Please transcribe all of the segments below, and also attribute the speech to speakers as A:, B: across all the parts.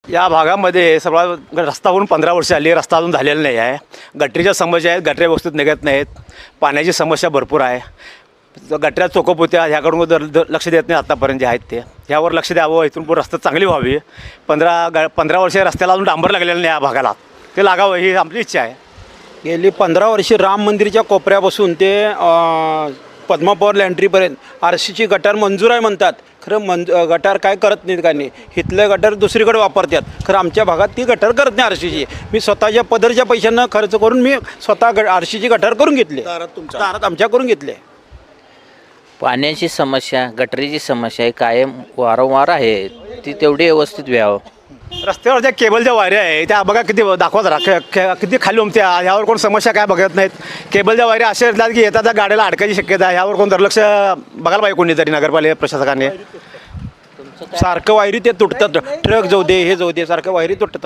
A: या भागामध्ये सर्व रस्ता 15 वर्ष आली, रस्ता अजून झालेला नाही आहे. गटरीच्या समस्या आहेत, गटऱ्या व्यवस्थित निघत नाहीत. पाण्याची समस्या भरपूर आहे. गटऱ्या चोकप होत्या, ह्याकडून लक्ष देत नाही आत्तापर्यंत जे आहेत ते. ह्यावर लक्ष द्यावं, इथून पुढे रस्ता चांगली व्हावी. 15 वर्ष रस्त्याला अजून डांबर लागलेलं नाही या भागाला, ते लागावं ही आमची इच्छा आहे.
B: गेली 15 वर्षे राम मंदिरच्या कोपऱ्यापासून ते पद्मापॉवर लँड्रीपर्यंत RCची गटार मंजूर आहे म्हणतात. खरं गटार काय करत नाहीत का नाही. इथलं गटार दुसरीकडे वापरतात, खरं आमच्या भागात ती गटार करत नाही RCची. मी स्वतःच्या पदरच्या पैशांना खर्च करून मी स्वतः RCची गटार करून घेतली. दारात आमच्या करून घेतले.
C: पाण्याची समस्या, गटरीची समस्या कायम वारंवार आहे, ती तेवढी व्यवस्थित व्हावं.
A: रस्त्यावर ज्या केबलच्या वायऱ्या आहे त्या बघा किती दाखवत किती खाली उमत्या. ह्यावर कोण समस्या काय बघत नाहीत. केबलच्या वायऱ्या अशा असतात की येतात त्या गाड्याला अडकायची शक्यता आहे. ह्यावर कोण दुर्लक्ष बघायला पाहिजे कोणीतरी, नगरपालिका प्रशासकाने.
B: सारखं वायरी ते तुटतात, ट्रक जाऊ दे हे जाऊ दे, सारखं वायरी तुटत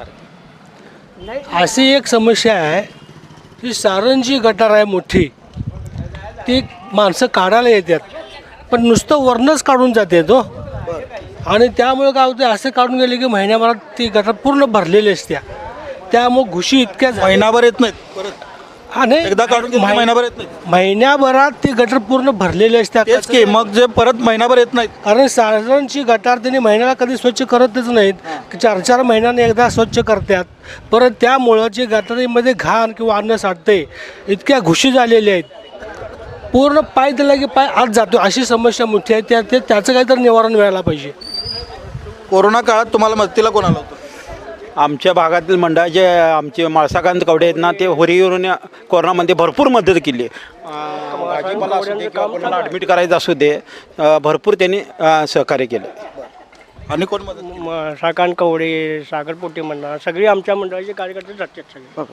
B: असतात.
D: अशी एक समस्या आहे की सारंजी गटार आहे मोठी, ती माणसं काढायला येतात पण नुसतं वरनंच काढून जाते तो. आणि त्यामुळे काय होतं, असं काढून गेले की महिन्याभरात ती गटार पूर्ण भरलेली असत्या. त्यामुळे घुशी इतक्या
E: महिनाभर येत नाहीत परत.
D: आणि
E: एकदा काढून गेले की महिनाभर येत नाहीत.
D: महिन्याभरात ती गटार पूर्ण भरलेली असत्या.
E: तेच की मग जे परत महिनाभर येत नाहीत.
D: कारण साधारणची गटार त्यांनी महिन्याला कधी स्वच्छ करतच नाहीत, 4-4 महिन्याने एकदा स्वच्छ करतात. परत त्यामुळं जे गटारीमध्ये घाण किंवा अन्न साठते, इतक्या घुशी झालेल्या आहेत, पूर्ण पाय दिला की पाय आत जातो. अशी समस्या मोठी आहे. त्याचं काहीतरी निवारण मिळायला पाहिजे.
E: कोरोना काळात तुम्हाला मदतीला कोण आलं होतं?
B: आमच्या भागातील मंडळाचे आमचे माळसाकांत कवडे आहेत ना, ते होरीवरून कोरोनामध्ये भरपूर मदत केली. भाजीपाला असू दे किंवा कोणाला ॲडमिट करायचं असू दे, भरपूर त्यांनी सहकार्य केलं.
E: आणि कोण मदत?
D: साकान कवडे, सागरपोटे मंडळ, सगळी आमच्या मंडळाचे कार्यकर्ते जातात सगळे.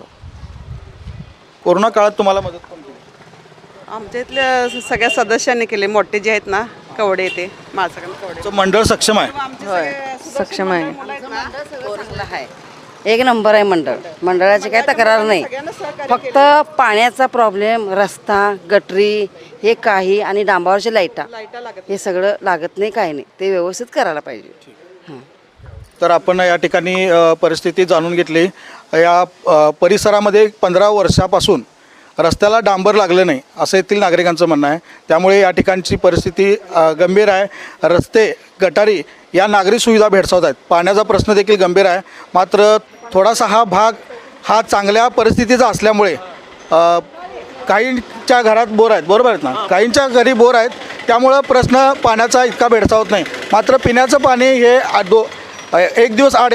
E: कोरोना काळात तुम्हाला मदत कोण केली?
F: आमच्या इथल्या सगळ्या सदस्यांनी केले, मोठे जे आहेत ना कवडे, ते माळसाकांत कवडे.
E: तुमचं मंडळ सक्षम आहे?
G: होय, सक्षम आहे. एक नंबर आहे मंडळ. मंडळाची काही तक्रार नाही. फक्त पाण्याचा प्रॉब्लेम, रस्ता, गटरी हे काही आणि डांबावरचे लाईटा हे सगळं लागत नाही, काही नाही. ते व्यवस्थित करायला पाहिजे.
E: तर आपण या ठिकाणी परिस्थिती जाणून घेतली. या परिसरामध्ये 15 वर्षापासून रस्त्याला डांबर लागलं नाही असं येथील नागरिकांचं म्हणणं आहे. त्यामुळे या ठिकाणची परिस्थिती गंभीर आहे. रस्ते, गटारी या नागरी सुविधा भेडसावत आहेत. पाण्याचा प्रश्न देखील गंभीर आहे. मात्र थोडासा हा भाग हा चांगल्या परिस्थितीचा असल्यामुळे काहींच्या घरात बोर आहेत, बरोबर आहेत ना, काहींच्या घरी बोर आहेत. त्यामुळं प्रश्न पाण्याचा इतका भेडसावत नाही. मात्र पिण्याचं पाणी हे 1 दिवस आड